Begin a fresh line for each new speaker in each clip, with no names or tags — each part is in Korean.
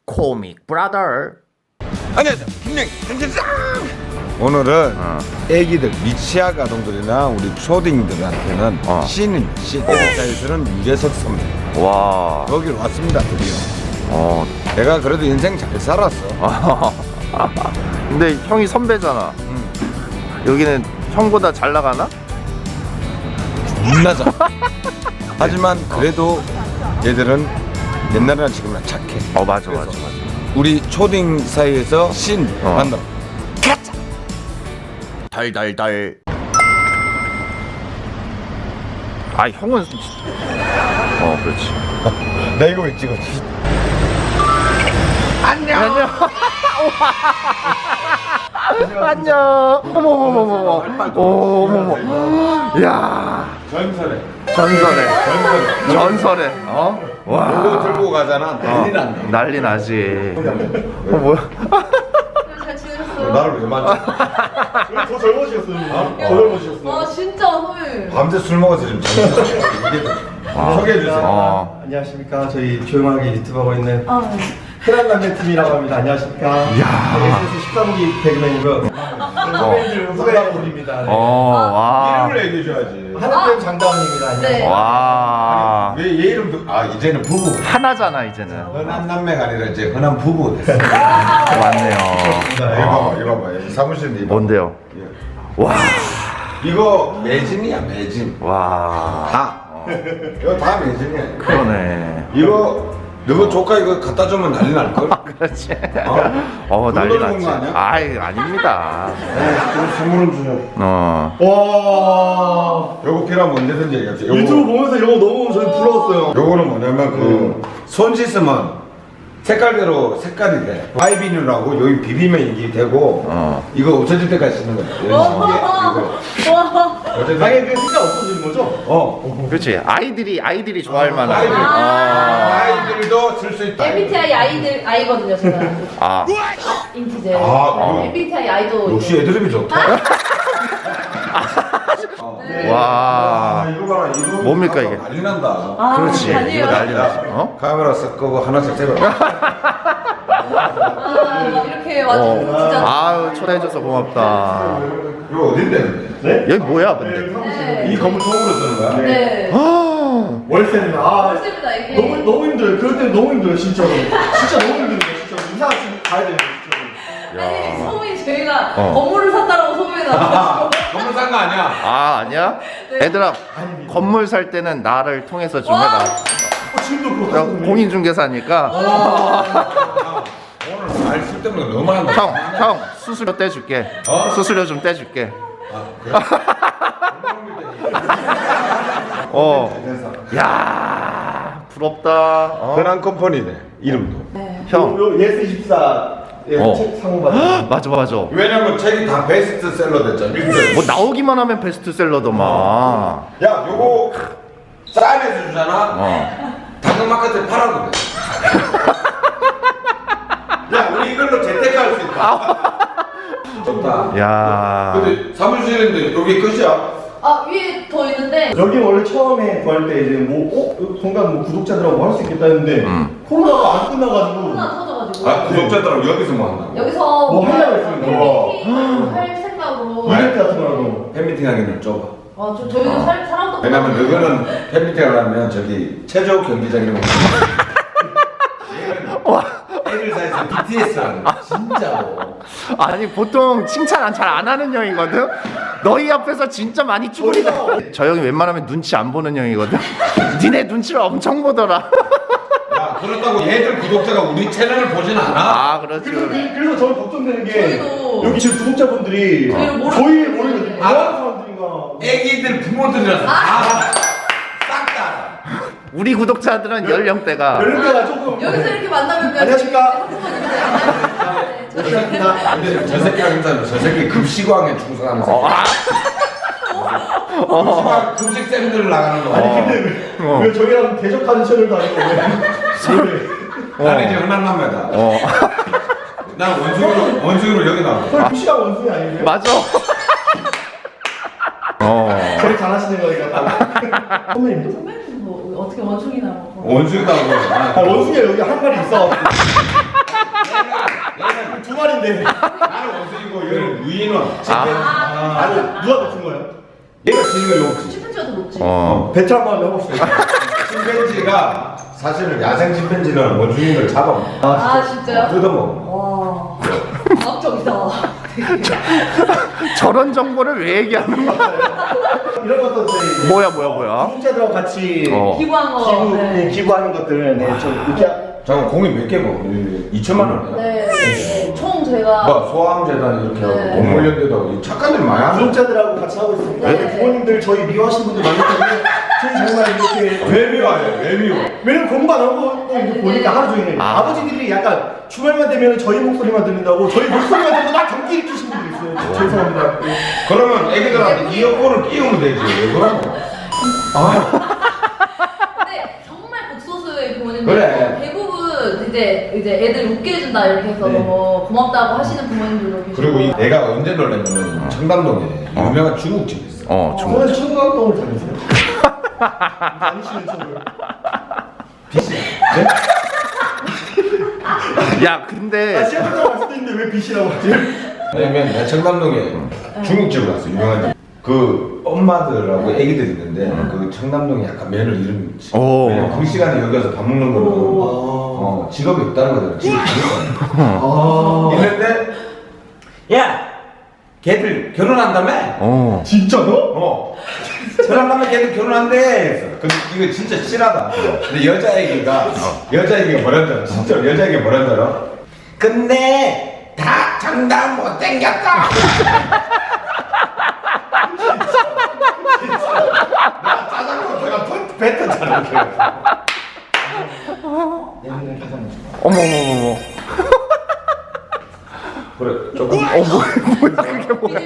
코믹 브라더.
안녕하세요. 분명히 오늘은 애기들 미취학 아동들이나 우리 초딩들한테는 신입니다. 신입자에서는 유재석 선배.
와.
여기 왔습니다 드디어. 내가 그래도 인생 잘 살았어.
근데 형이 선배잖아. 여기는 형보다 잘 나가나?
겁나잖아. 하지만 그래도 얘들은 옛날이나 지금이나 착해.
맞아.
우리 초딩 사이에서 신 만나. 가자.
달달달. 아 형은 그렇지.
나 이거 왜 찍었지? 안녕.
안녕. 어머머머머. 야. 전설에. 와.
이거 들고 가잖아. 난리 난다.
난리 나지. 뭐야?
잘 지내셨어요?
나를 왜 만져?
더 젊어지셨어요. 더 젊어지셨어요.
와 진짜 선배님.
밤새 술 먹어서 지금 정신 소개해 주세요.
안녕하십니까. 저희 조용하게 유튜브 하고 있는
네.
흔한 남매 팀이라고 합니다. 안녕하십니까. SS 13기 개그맨이고요. 선배님들 후배입니다.
와.
이름을 얘기해 줘야지.
하나쌤 장다운입니다. 안녕하세요.
네.
와.
왜 얘 이름도 이제는 부부.
하나잖아 이제는.
흔한 남매가 아니라 이제 흔한 부부 됐어.
맞네요.
이거 봐봐. 사무실인데 이거.
뭔데요? 와.
이거 매진이야 매진.
와.
다. 이거 다 매진이야.
그러네.
이거 너 조카 이거 갖다 주면 난리 날 걸.
그렇지.
돈
난리
벌는
났지.
거 아니야?
아닙니다.
그럼 선물은 주죠.
와.
요거 필요하면 언제든지 얘기하세요.
유튜브 보면서 이런 거 너무 저희 부러웠어요.
요거는 뭐냐면 손 씻으면 색깔대로 색깔이 돼. 아이비뉴라고 여기 비비면 이게 되고 이거 없어질 때까지 쓰는 거야.
와.
당연히 그 색깔 없어지는 거죠?
그렇지. 아이들이 좋아할 만한.
아이들도 쓸 수 있다.
MBTI 아이거든요 제가. 인티제.
그럼.
MBTI 아이도.
역시 애드립이 좋다.
와.
이거 봐라. 이거
뭡니까, 이게?
난리 난다.
그렇지.
아니에요.
이거 난리 나지.
카메라 쓱 끄고 하나씩 세봐.
이렇게 와주셔서 진짜.
아유 초대해줘서 고맙다.
이거 어딘데?
네?
여기 뭐야 근데?
네.
이 건물 통으로 쓰는 거야?
네.
월세는
좋습니다 이게.
너무 힘들어요. 그럴 때는 너무 힘들어요. 진짜로. 진짜 너무 힘들어요. 진짜로. 이사 지금 가야 돼요. 진짜로.
아니 소문이 저희가 건물을 샀다라고 소문이 나가지고.
건물 산 거 아니야?
아니야? 얘들아 건물 살 때는 나를 통해서 좀 해라.
지금도
내가
그렇고.
공인중개사니까.
오늘 말 쓸데없는 거 너무 한다.
형 수수료 떼줄게. 수수료 좀 떼줄게. 야 부럽다.
흔한 컴퍼니네 이름도.
형.
요 예스24 책 상호 받은.
맞아.
왜냐면 책이 다 베스트셀러 됐잖아.
뭐 나오기만 하면 베스트셀러더만.
야 요거 싸안해서 주잖아. 당근마켓에 팔아도 돼. 야 우리 이걸로 재테크할 수 있다. 좋다.
야.
근데 사무실인데 여기 끝이야.
위에 더 있는데.
여기 원래 처음에 구할 때 이제 여기 공간 구독자들하고 할 수 있겠다 했는데 코로나가 안 끝나가지고
코로나 터져가지고.
구독자들하고 여기서 뭐 한다?
여기서
뭐 하려고 했습니다.
팬미팅 할 생각으로.
이벤트 같은 거라도.
팬미팅 하기는 좁아.
저희도 사람도.
왜냐면 너희는 팬미팅을 하면 저기 체조 경기장 이런 거. 애들 사이에서 BTS라는 거 진짜로.
아니 보통 칭찬 잘 안 하는 형이거든. 너희 앞에서 진짜 많이 쭈그리다. 저 형이 웬만하면 눈치 안 보는 형이거든. 니네 눈치를 엄청 보더라.
야 그렇다고 얘들 구독자가 우리 채널을 보진 않아.
그렇지.
그래서 저는 걱정되는 게
저희도.
여기 지금 구독자분들이
저희를 모르-
저희 모르는 뭐 하는 사람들인가.
애기들 부모들이라서 싹 다.
우리 구독자들은 연령대가
연령대가 조금.
여기서 이렇게 만나면
안녕하십니까?
근데 저 새끼랑 인사는 저 새끼 급식왕에 충성하는 새끼. 급식왕 급식쌤들 나가는 거.
아니 근데 왜 저희랑 대적하는 채널도 아니고 왜?
나는 이제 흔한 남매다. 난 원숭이로 여기 나와.
그걸 무시하고 원숭이 아니에요?
맞아.
제일 잘하시는 거니까. 선배님도?
선배님 뭐 어떻게 원숭이나 뭐.
원숭이다.
원숭이가 여기 한 마리 있어. 미안한데.
나는 원숭이고 얘는 유인원.
아니 누가 높은 거예요?
얘가 지는 거 높지.
침팬지가 더 높지.
배틀 한번 해봅시다.
침팬지가 사실은 야생 침팬지는 원숭이를 잡아.
아, 진짜요?
뜯어먹어.
와. 과학적이다.
저런 정보를 왜 얘기하는 거야?
이런 것도 저희
뭐야?
구독자들하고 같이
기부한 거. 네.
기부하는 것들 좀 이렇게.
잠깐 공이 몇 개고? 2천만 원.
네. 총 제가
뭐 소아암재단 이렇게 하고
네.
동물연대도 착한 일 많이 하는.
구독자들하고 같이 하고 있습니다.
네.
부모님들 저희 미워하시는 분들 많기 때문에 저희 정말 이렇게
왜 미워해? 왜 미워?
왜냐면 공부 안 하고 또 이렇게 보니까 하루 종일 아버지들이 약간 주말만 되면 저희 목소리만 들린다고 저희 목소리만 들리고 막 경기 일으키시는 분들 있어요. 죄송합니다.
그러면 애기들한테 이어폰을 끼우면 되지. 왜 그러고?
근데 정말 극소수의 부모님들
그래.
대부분 이제 애들 웃게 해준다 이렇게 해서 너무 고맙다고 하시는 부모님들도 계시고.
그리고 내가 언제 놀랐냐면 청담동에 유명한 중국집이 있어.
중국.
저는 초등학교를 다녔어요. 다니시는 쪽을.
야, 근데
시작부터 왔을 때 있는데 왜 빛이라고 하지?
왜냐면 내가 청담동에 중국집을 갔어. 유명한 집. 그 엄마들하고 애기들이 있는데 그 청담동에 약간 면을 잃은 집.
오.
왜냐면 그 시간에 여기 와서 밥 먹는 거는 직업이 없다는 거잖아. 직업이 없다는 있는데 야 걔들 결혼한다며?
진짜요?
결혼하면 걔들 결혼한대. 그래서 근데 이거 진짜 실하다. 근데 여자애기가 뭐라는 줄 알아? 진짜 여자애기가 뭐라는 줄 알아? 근데 다 장담 못 땡겼다. 나 짜장면 배가 뱉었잖아.
어머.
그래 조금.
뭐야 그게 뭐야?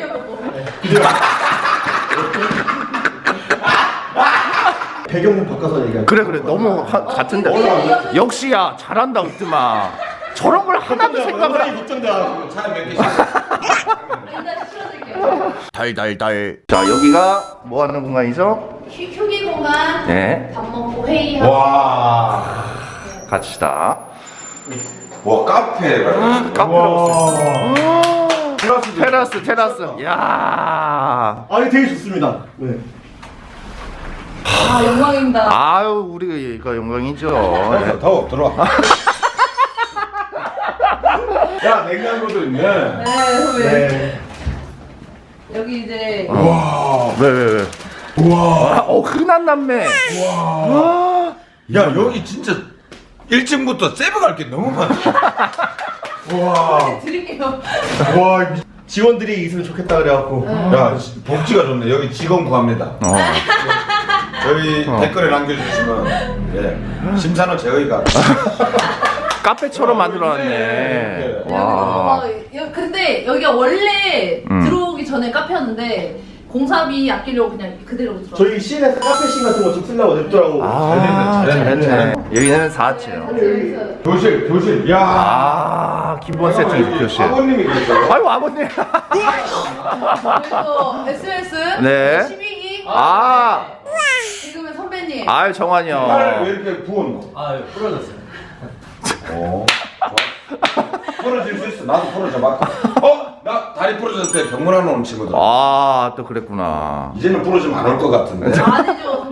배경을 바꿔서 얘기할게요.
그래 너무 같은데. 역시야 잘한다 으뜸아. 저런 걸 하나도 생각을 안.
걱정돼가지고.
차에 몇 개씩.
일단 실어드릴게요.
달달달. 자 여기가 뭐 하는 공간이죠?
휴게 공간.
네.
밥 먹고 회의하고.
와.
같이다.
와 카페.
카페라고 테라스. 야.
아니 되게 좋습니다. 네.
아, 영광입니다.
아유 우리가 영광이죠.
더워 들어와. 야 냉장고도 있네.
네, 선배.
네.
여기 이제
왜? 우와. 흔한 남매. 와.
야 여기 진짜 1층부터 세부 갈 게 너무 많아. 와.
드릴게요.
와 지원들이 있으면 좋겠다 그래갖고.
야 복지가 좋네. 여기 직원 구합니다. 저희 댓글에 남겨주시면 심사는 저희가.
카페처럼 만들어놨네. 와.
근데 여기가 원래 들어오기 전에 카페였는데 공사비 아끼려고 그냥 그대로 들어.
저희 CN에서 카페씬 같은 거 좀 쓰려고 냈더라고.
잘했네. 여기는 4층.
교실. 야.
기본 세트 교실.
아버님이 계세요.
아이고 아버님.
그리고 SNS
네.
12기. 지금은 선배님.
아유 정환이요.
팔 왜 이렇게 부었노?
부러졌어요.
부러질 수 있어. 나도 부러져 봐. 나 다리 부러졌을 때 병문안 오는 친구들.
또 그랬구나.
이제는 부러지면 안 올 것 같은데.
아니죠.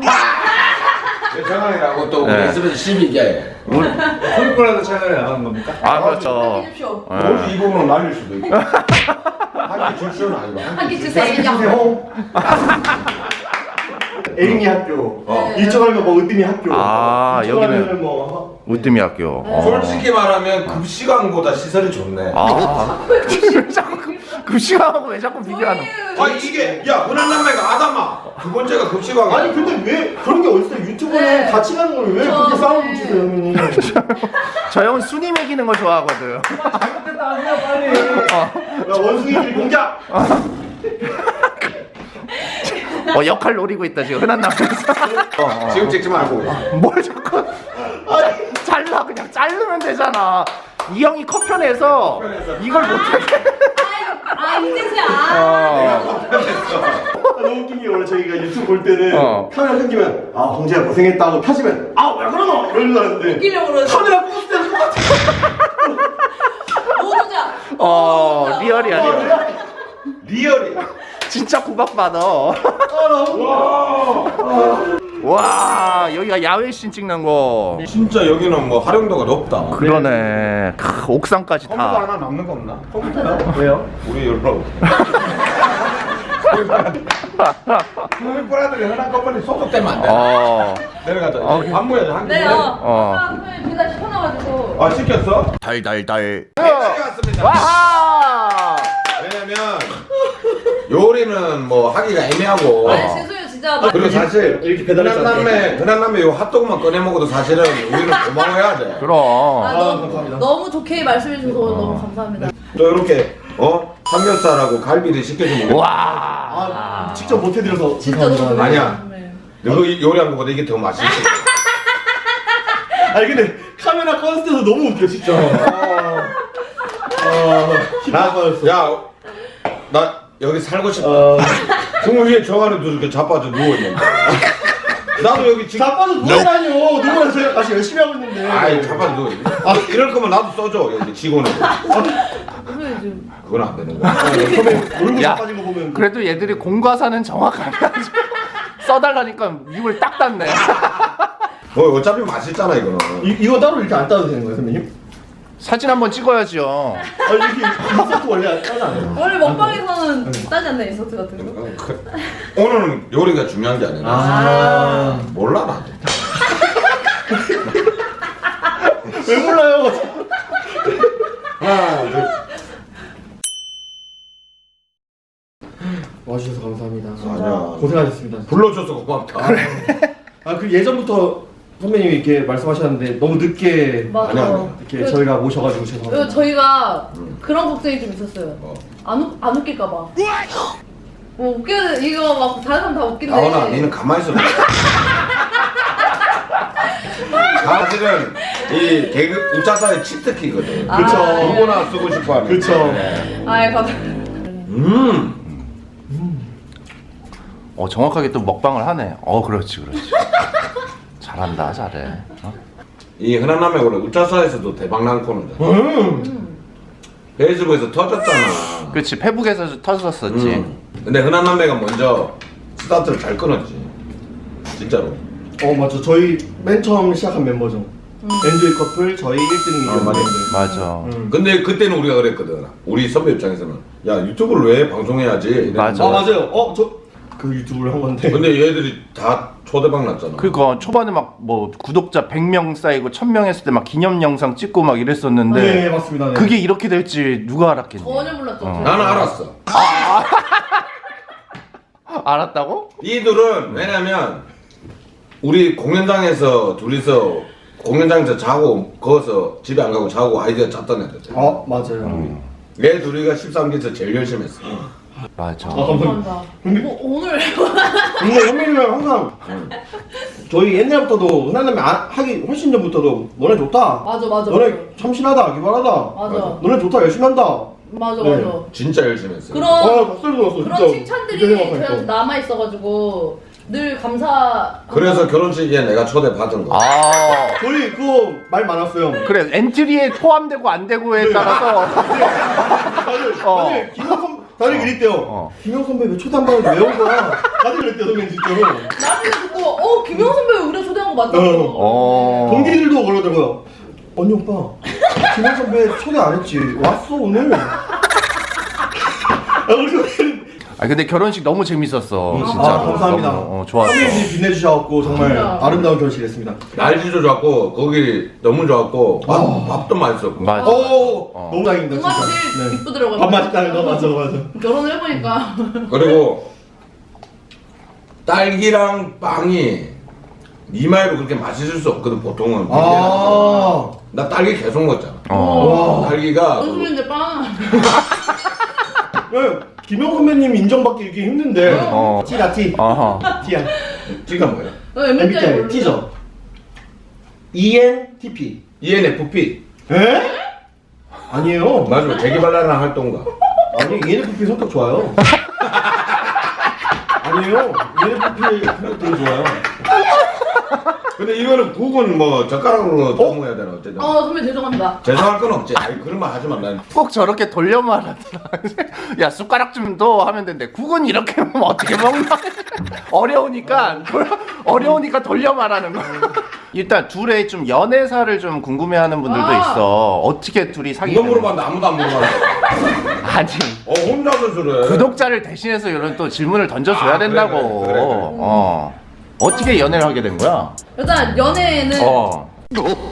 정환이라고 또 우리
네.
SBS 12개.
소리콜라도 촬영을 나가는 겁니까?
그렇죠.
해주십시오.
혹시 이 부분은 날릴 수도 있고. 한끼 줄 수는 아니고.
한끼 주세요.
에릭이 학교.
네.
이쪽 하면 뭐 으뜸이 학교. 이쪽
여기는
하면은 뭐
우뜸이 학교.
솔직히 말하면 급식왕보다 시설이 좋네.
왜 자꾸 급식하고 왜 자꾸 비교하는?
이게 야 흔한 남매가 아담아. 두 번째가 급식왕이야.
아니 근데 왜 그런 게 어딨어요? 유튜브는
네.
같이 가는 걸 왜 그렇게 싸우고 주세요 형님?
저 형은 순위 매기는 걸 좋아하거든.
잘못됐다 하세요 빨리. 야 원숭이들 공작.
역할 노리고 있다 지금 흔한 남자에서.
지금 찍지 말고.
뭘 자꾸 잘라 그냥 자르면 되잖아. 이 형이 컷편에서 이걸 못하게.
이제서야.
너무 웃긴 게 원래 저희가 유튜브 볼 때는 카메라 끊기면 홍재야 고생했다고 펴지면 왜 그러노 이러는 줄 알았는데
웃기려고 그러지.
카메라 꽂을 때는 똑같아.
모두자.
리얼이야 리얼.
리얼이야.
진짜 구박받아. 와 여기가 야외씬 찍는 거.
진짜 여기는 뭐 활용도가 높다.
그러네. 옥상까지
컴퓨터
다.
하나 남는 거 없나?
왜요?
우리 열로. 컴퓨터라들이 흔한 컴퓨터 소속되면 안 돼. 내려가자. 밥 먹어야지 한
네,
끼.
아까 선배님 둘 다 시켜놔가지고.
아 시켰어?
달달달.
가져왔습니다.
와하.
왜냐면 요리는 뭐 하기가 애매하고.
아니 죄송해요 진짜.
그리고 사실
이렇게 배달했지
흔한 남매 요 핫도그만 꺼내 먹어도 사실은 우리는 고마워해야 돼.
그럼.
감사합니다.
너무 좋게 말씀해 주셔서 너무 감사합니다.
또 이렇게 삼겹살하고 갈비를 시켜주면
와.
아, 직접 못 해드려서
진짜 너무
죄송합니다.
아니야.
네.
너 요리한 거보다 이게 더 맛있지.
아니 근데 카메라 꺼냈을 때도 너무 웃겨 진짜.
나 여기 살고 싶다. 정말 위에 저 안에도 이렇게 자빠져 누워 있는데. 나도 여기 지금
자빠져 누워다녀. 누구나 저희가 같이 열심히 하고 있는데.
아이 자빠져 누워 있네. 이럴 거면 나도 써줘 여기 직원을.
선배님 지금
그건 안 되는 거야.
선배 얼굴
야,
자빠진 거 보면.
그래도 얘들이 공과사는 정확하게 하지. 써달라니까 입을 딱 닫네.
어차피 맛있잖아 이거는.
이거 따로 이렇게 안 따도 되는 거예요 선배님?
사진 한번 찍어야죠.
이렇게 인서트 원래 따지 않아요?
원래 먹방에서는 따지 않나 인서트 같은 거?
오늘은 요리가 중요한 게 아니라
아.
몰라 나도.
왜 몰라요?
하나 둘.
와주셔서 감사합니다.
아니야.
고생하셨습니다.
불러줘서 고맙다.
그 예전부터 선배님이 이렇게 말씀하셨는데 너무 늦게
맞아.
아니야.
이렇게 저희가 모셔가지고
그리고
죄송합니다.
저희가 그런 걱정이 좀 있었어요. 안 웃길까봐. 뭐 웃기는 이거 막 다른 사람 다 웃긴데.
나오나 니는 가만히 있어. 사실은 이 개그 우차사의 치트키거든.
그쵸.
누구나 쓰고 싶어하는.
그쵸.
아이 감사.
정확하게 또 먹방을 하네. 그렇지. 잘한다, 잘해.
이 흔한 남의 원래 우차사에서도 대박 난 코너잖아. 페이스북에서 터졌잖아.
그렇지, 페북에서 터졌었지.
근데 흔한 남매가 먼저 스타트를 잘 끊었지. 진짜로.
맞죠. 저희 맨 처음 시작한 멤버죠. 엔조이 커플 저희 1등
맞아.
맞아.
근데 그때는 우리가 그랬거든. 우리 선배 입장에서는 야 유튜브를 왜 방송해야지. 이랬는데
맞아.
맞아요. 저 그 유튜브를 한 건데.
근데 얘들이 다 초대박 났잖아.
그러니까 초반에 막 뭐 구독자 100명 쌓이고 1000명 했을 때 막 기념 영상 찍고 막 이랬었는데
네, 맞습니다. 네.
그게 이렇게 될지 누가 알았겠니?
전혀 몰랐죠.
나는 알았어.
알았다고?
이들은 왜냐면 우리 공연장에서 둘이서 공연장에서 자고 거기서 집에 안 가고 자고 아이디어 짰던 애들.
맞아요.
얘 둘이가 13기에서 제일 열심히 했어.
맞아.
감사합니다.
근데
오늘
근데 현민이랑 항상 저희 옛날부터도 흔한남매 하기 훨씬 전부터도 너네 좋다.
맞아.
너네 참신하다, 기발하다.
맞아.
너네 좋다, 열심히 한다.
맞아.
네.
진짜 열심히 했어.
박수를 줬어, 진짜.
그런 칭찬들이 저희한테 남아 있어가지고 늘 감사.
그래서 결혼식에 내가 초대 받은 거.
저희 그거 말 많았어요.
그래, 엔트리에 포함되고 안 되고에 따라서
다들 이랬대요. 김영 선배 왜 초대 안 받는데 왜 온 거야? 다들 그랬대요, 선배님 진짜로.
나중에 듣고 김영 선배 우리가 초대한 거 맞다고.
동기들도 그러더라고요. 언니 오빠, 김영 선배 초대 안 했지? 왔어 오늘.
근데 결혼식 너무 재밌었어. 진짜로.
감사합니다.
너무, 좋았어.
선배님들이 빛내주셔갖고 정말 아름다운 결혼식이었습니다.
날씨도 좋았고 거기 너무 좋았고 밥도 맛있었고.
맞아.
너무 다행입니다.
누가
진짜.
제일 이쁘더라고요.
밥 맛있다는 거 맞아.
결혼을 해보니까.
그리고 딸기랑 빵이 니마이로 그렇게 맛있을 수 없거든 보통은. 나 딸기 계속 먹잖아. 딸기가
요즘인데 빵.
김영 선배님 인정받기 이렇게 힘든데. T다 T. T야.
T가 뭐야?
MBTI T죠. ENTP.
ENFP.
에? 아니에요.
맞아. 재개발하는 활동가.
아니 ENFP 성격 좋아요. 아니에요. ENFP 성격 되게 좋아요.
근데 이거는 국은 뭐 젓가락으로 떠먹어야 되나 어쨌든.
선배 죄송합니다.
죄송할 건 없지. 아니 그런 말 하지 마. 난
꼭 저렇게 돌려 말하더라. 야 숟가락 좀 더 하면 된대. 국은 이렇게 먹으면 어떻게 먹나? 어려우니까 돌려 말하는 거. 일단 둘의 좀 연애사를 좀 궁금해하는 분들도
아.
있어. 어떻게 둘이
이거
사귀는?
물어봤는데 아무도 안 물어봤어.
아니.
혼자서 저래.
구독자를 대신해서 이런 또 질문을 던져줘야
아, 그래,
된다고.
그래.
어떻게 연애를 하게 된 거야?
일단 연애는
어.